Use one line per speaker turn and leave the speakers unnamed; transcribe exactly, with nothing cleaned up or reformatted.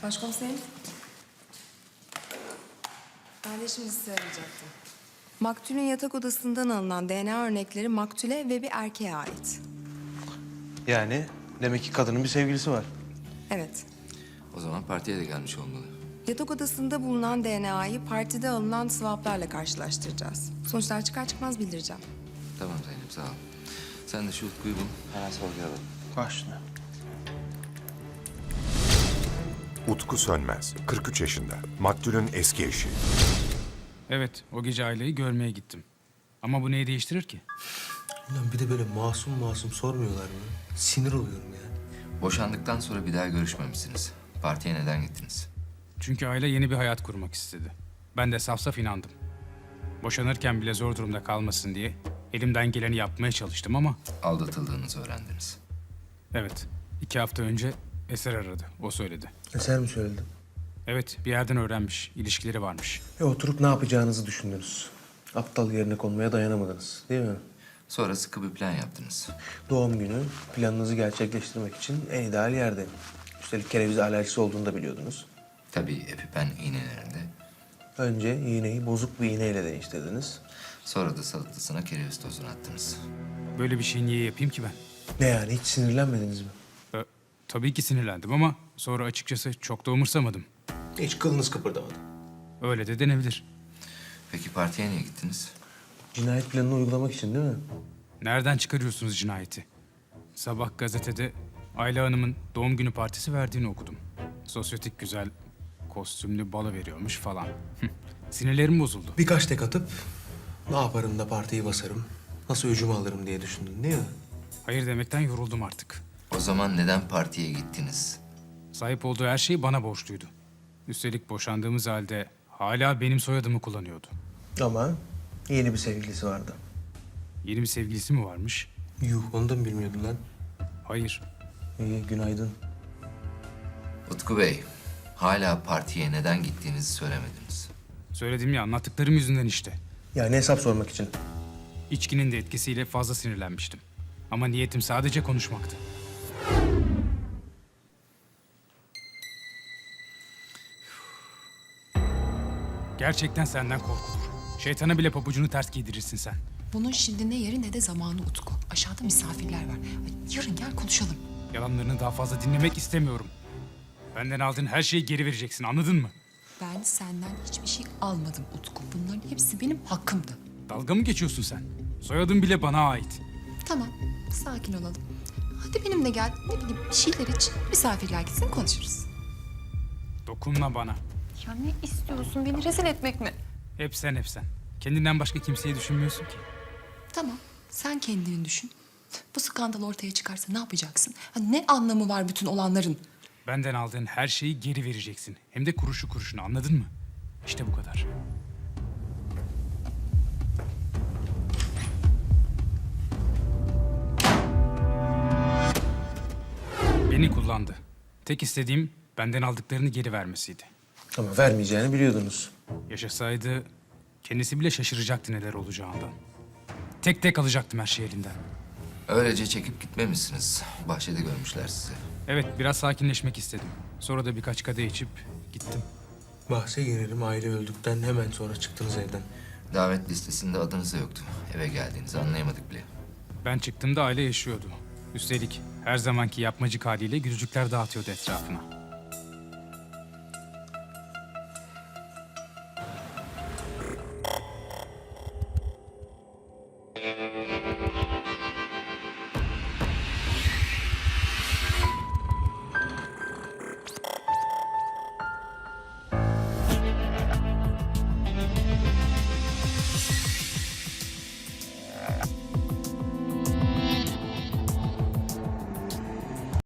Başkomiserim. Ben de şimdi size arayacaktım. Maktulün yatak odasından alınan D N A örnekleri maktule ve bir erkeğe ait.
Yani demek ki kadının bir sevgilisi var.
Evet.
O zaman partiye de gelmiş olmalı.
Yatak odasında bulunan D N A'yı partide alınan swaplarla karşılaştıracağız. Sonuçlar çıkar çıkmaz bildireceğim.
Tamam Zeynep, sağ ol. Sen de şu Utku'yu bul. Hemen sorgulayalım.
Başla.
Utku Sönmez, kırk üç yaşında. Maktulün eski eşi.
Evet, o gece aileyi görmeye gittim. Ama bu neyi değiştirir ki?
Ulan bir de böyle masum masum sormuyorlar mı? Sinir oluyorum ya.
Boşandıktan sonra bir daha görüşmemişsiniz. Partiye neden gittiniz?
Çünkü aile yeni bir hayat kurmak istedi. Ben de saf saf inandım. Boşanırken bile zor durumda kalmasın diye elimden geleni yapmaya çalıştım ama...
Aldatıldığınızı öğrendiniz.
Evet, iki hafta önce Eser aradı, o söyledi.
Eser mi söyledi?
Evet, bir yerden öğrenmiş, ilişkileri varmış.
E oturup ne yapacağınızı düşündünüz. Aptal yerine konmaya dayanamadınız değil mi?
Sonra sıkı bir plan yaptınız.
Doğum günü planınızı gerçekleştirmek için en ideal yerde. Üstelik kereviz alerjisi olduğunu da biliyordunuz.
Tabii epipen iğnelerinde.
Önce iğneyi bozuk bir iğneyle değiştirdiniz.
Sonra da salatasına kereviz tozunu attınız.
Böyle bir şey niye yapayım ki ben?
Ne yani hiç sinirlenmediniz mi?
Ee, tabii ki sinirlendim ama sonra açıkçası çok da umursamadım.
Hiç kılınız kıpırdamadı.
Öyle de denebilir.
Peki partiye niye gittiniz?
Cinayet planını uygulamak için değil mi?
Nereden çıkarıyorsunuz cinayeti? Sabah gazetede Ayla Hanım'ın doğum günü partisi verdiğini okudum. Sosyetik güzel, kostümlü balo veriyormuş falan. Hıh, sinirlerim bozuldu.
Birkaç tek atıp ne yaparım da partiyi basarım, nasıl öcümü alırım diye düşündün değil mi?
Hayır demekten yoruldum artık.
O zaman neden partiye gittiniz?
Sahip olduğu her şeyi bana borçluydu. Üstelik boşandığımız halde hala benim soyadımı kullanıyordu.
Ama yeni bir sevgilisi vardı.
Yeni bir sevgilisi mi varmış?
Yuh onu da mı bilmiyordun lan?
Hayır.
İyi günaydın.
Utku Bey, hala partiye neden gittiğinizi söylemediniz.
Söyledim ya, anlattıklarım yüzünden işte.
Yani hesap sormak için.
İçkinin de etkisiyle fazla sinirlenmiştim. Ama niyetim sadece konuşmaktı. Gerçekten senden korkulur. Şeytana bile pabucunu ters giydirirsin sen.
Bunun şimdi ne yeri ne de zamanı Utku. Aşağıda misafirler var. Ay, yarın gel konuşalım.
Yalanlarını daha fazla dinlemek istemiyorum. Benden aldığın her şeyi geri vereceksin, anladın mı?
Ben senden hiçbir şey almadım Utku. Bunların hepsi benim hakkımdı.
Dalga mı geçiyorsun sen? Soyadın bile bana ait.
Tamam, sakin olalım. Hadi benimle gel. Ne bileyim bir şeyler iç. Misafirler gitsin konuşuruz.
Dokunma bana.
Ya ne istiyorsun? Beni rezil etmek mi?
Hep sen, hep sen. Kendinden başka kimseyi düşünmüyorsun ki.
Tamam, sen kendini düşün. Bu skandal ortaya çıkarsa ne yapacaksın? Ha, ne anlamı var bütün olanların?
Benden aldığın her şeyi geri vereceksin. Hem de kuruşu kuruşuna, anladın mı? İşte bu kadar. Beni kullandı. Tek istediğim benden aldıklarını geri vermesiydi.
Ama vermeyeceğini biliyordunuz.
Yaşasaydı kendisi bile şaşıracaktı neler olacağından. Tek tek alacaktım her şeyi elinden.
Öylece çekip gitmemişsiniz. Bahçede görmüşler sizi.
Evet, biraz sakinleşmek istedim. Sonra da birkaç kadeh içip gittim.
Bahse girerim aile öldükten hemen sonra çıktınız evden.
Davet listesinde adınız da yoktu. Eve geldiğinizi anlayamadık bile.
Ben çıktığımda aile yaşıyordu. Üstelik her zamanki yapmacık haliyle gülücükler dağıtıyordu etrafına.